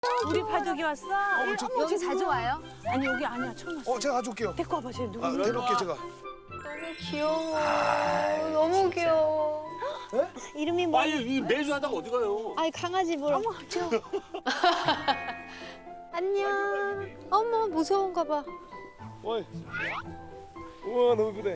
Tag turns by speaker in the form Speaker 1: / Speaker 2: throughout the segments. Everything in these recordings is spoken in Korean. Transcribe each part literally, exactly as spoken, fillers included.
Speaker 1: 우리 바둑이 왔어?
Speaker 2: 어, 저,
Speaker 3: 여기 자주 와요?
Speaker 1: 아니 여기 아니야 처음 왔어.
Speaker 2: 어, 제가 가져올게요.
Speaker 1: 데리고 와봐 쟤 누구?
Speaker 2: 아, 데려올게 제가.
Speaker 3: 너무 귀여워. 너무 귀여워.
Speaker 4: 이름이 뭐?
Speaker 5: 아니 이 매주 하다가 어디 가요?
Speaker 4: 아니 강아지 뭘? 어머 저. 안녕. 어머 무서운가 봐.
Speaker 2: 어이. 우와 너무 예쁘네.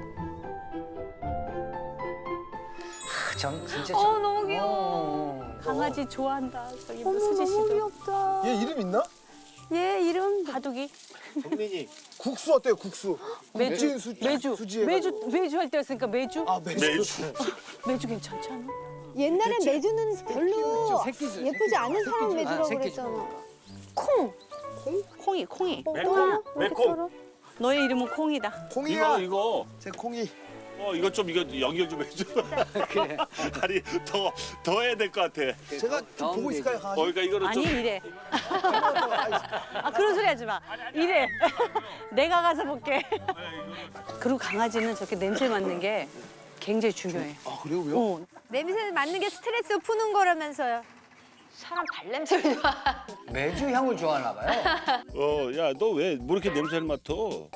Speaker 6: 전 진짜.
Speaker 3: 어 너무 귀여워.
Speaker 6: 어.
Speaker 1: 강아지 좋아한다. 저기 뭐
Speaker 4: 어머
Speaker 1: 수지
Speaker 4: 너무
Speaker 1: 씨도.
Speaker 4: 귀엽다.
Speaker 2: 얘 이름 있나?
Speaker 4: 얘 이름
Speaker 1: 바둑이
Speaker 5: 정민이.
Speaker 2: 국수 어때요? 국수.
Speaker 1: 매주
Speaker 2: 국진 수,
Speaker 1: 매주
Speaker 2: 수지
Speaker 1: 매주 매주 할 때였으니까 매주
Speaker 2: 아 매주.
Speaker 5: 매주.
Speaker 1: 매주 괜찮지 않아?
Speaker 4: 옛날에 매주는 별로
Speaker 6: 새끼죠,
Speaker 4: 예쁘지
Speaker 6: 새끼죠.
Speaker 4: 않은 사람
Speaker 6: 새끼죠.
Speaker 4: 매주라고
Speaker 6: 아, 새끼죠.
Speaker 4: 그랬잖아. 콩.
Speaker 1: 콩이 콩이.
Speaker 4: 어,
Speaker 5: 매콤,
Speaker 4: 또 왜 이렇게
Speaker 5: 매콤.
Speaker 4: 떨어?
Speaker 1: 너의 이름은 콩이다.
Speaker 2: 콩이야.
Speaker 5: 이거 이거.
Speaker 2: 제 콩이.
Speaker 5: 어 이거 좀 이거 연결 좀 해줘.
Speaker 6: 그래.
Speaker 5: 아니 더 더 해야 될 것 같아.
Speaker 2: 제가 좀
Speaker 6: 다음
Speaker 2: 보고 있을까요,
Speaker 5: 어
Speaker 2: 강아지?
Speaker 5: 그러니까 이거는
Speaker 1: 아니
Speaker 5: 좀.
Speaker 1: 이래. 아 그런 소리 하지 마. 이래. 내가 가서 볼게. 그리고 강아지는 저렇게 냄새 맡는 게 굉장히 중요해.
Speaker 2: 아 그래요? 왜요?
Speaker 1: 어.
Speaker 4: 냄새 맡는 게 스트레스 푸는 거라면서요.
Speaker 3: 사람 발냄새를 좋아.
Speaker 6: 매주 향을 좋아하나 봐요.
Speaker 5: 어야 너 왜 뭐 이렇게 냄새를 맡아?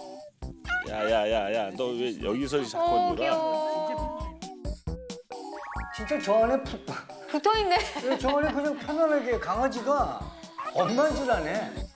Speaker 5: 야야야야 너 왜 여기서 자꾸
Speaker 3: 어
Speaker 5: 놀아?
Speaker 3: 귀여워.
Speaker 6: 진짜 저 안에 푹.
Speaker 3: 붙어 있네.
Speaker 6: 저 안에 그냥 편안하게 강아지가 엄마인 줄 아네.